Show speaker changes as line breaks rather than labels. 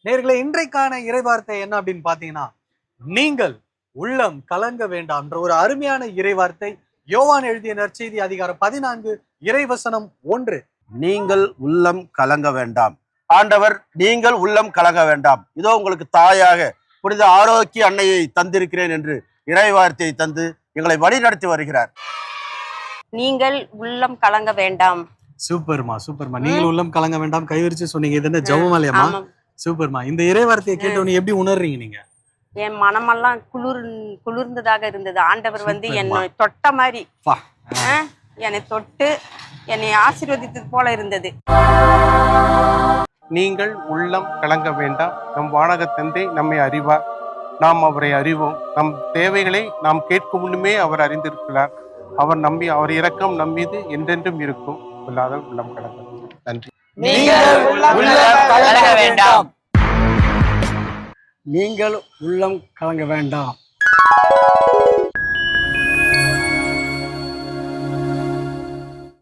நேயர்களே, இன்றைக்கான இறைவார்த்தை என்ன அப்படின்னு பாத்தீங்கன்னா, நீங்கள் உள்ளம் கலங்க வேண்டாம் ஒரு அருமையான இறைவார்த்தை. யோவான் எழுதிய நற்செய்தி அதிகாரம் 14 இறைவசனம் 1.
நீங்கள் உள்ளம் கலங்க வேண்டாம். ஆண்டவர் நீங்கள் உள்ளம் கலங்க வேண்டாம், இதோ உங்களுக்கு தாயாக புனித ஆரோக்கிய அன்னையை தந்திருக்கிறேன் என்று இறைவார்த்தையை தந்து எங்களை வழி நடத்தி வருகிறார்.
நீங்கள் உள்ளம் கலங்க வேண்டாம்.
சூப்பர்மா, சூப்பர்மா. நீங்கள் உள்ளம் கலங்க வேண்டாம் கைவிரிச்சு சொன்னீங்க. இது என்ன ஜெபமாலையாமா? சூப்பர்மா. இந்த இறைவார்த்தையை கேட்டவொன்னு எப்படி உணர்றீங்க நீங்க?
என் மனமெல்லாம் குளிர்ந்ததாக இருந்தது. ஆண்டவர் வந்து என்னை தொட்ட மாதிரி என்னை தொட்டு என்னை ஆசீர்வதித்தது போல இருந்தது.
நீங்கள் உள்ளம் கலங்க வேண்டாம். நம் வானக தந்தை நம்மை அறிவார், நாம் அவரை அறிவோம். நம் தேவைகளை நாம் கேட்கும் முன்னுமே அவர் அறிந்திருக்கிறார். அவர் இரக்கம் நம் மீது என்றென்றும் இருக்கும். இல்லாத உள்ளம் கலங்க. நன்றி.
நீங்கள் உள்ளம் கலங்க வேண்டாம்.
நீங்கள் உள்ளம் கலங்க வேண்டாம்.